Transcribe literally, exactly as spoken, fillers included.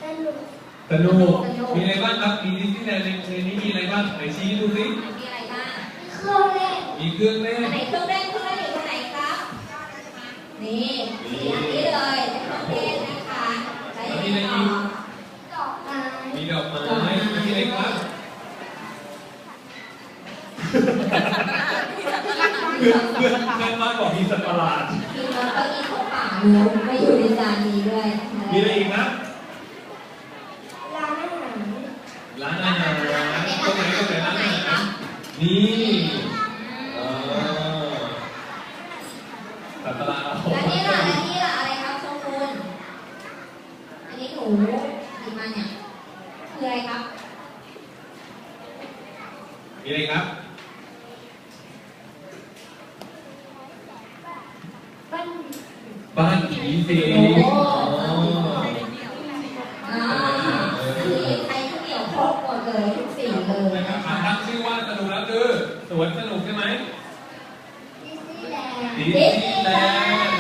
นุกสนุกมีอะไรบ้างครับมีดิสนีย์แลนด์ในนี้มีอะไรบ้างไหนชี้ดูสิมีอะไรบ้างเครื่องเล่นมีเครื่องเล่นไหนเครื่องเล่นเครื่องเล่นอยู่ตรงไหนครับนี่สี่อันนี้เลยเครื่องเล่นนะคะแล้วยังมีต่อดอกไม้มีดอกไม้มีอะไรครับเพื่อนเพื่อนเพื่อนมากบอกมีสัตว์ประหลาดมีน้องเก้าอี้ของป่าเนื้อไม่อยู่ในจานนี้ด้วยมีอะไรอีกนะร้านอาหารร้านอาหารตรงไหนตรงไหนร้านอาหารนี่สัตว์ประหลาดอันนี้ล่ะอันนี้ล่ะอะไรครับชมคุณอันนี้หนูหยิบมาเนี่ยคืออะไรครับมีอะไรครับบ้านบ้านผีสิงอ่าสีไทยข้าวเหนียวครบหมดเลยทุกสีเลยนะครับตั้งชื่อว่าสนุกแล้วคือสวนสนุกใช่ไหมดิสนีย์แลนด์ดิสนีย์แลนด์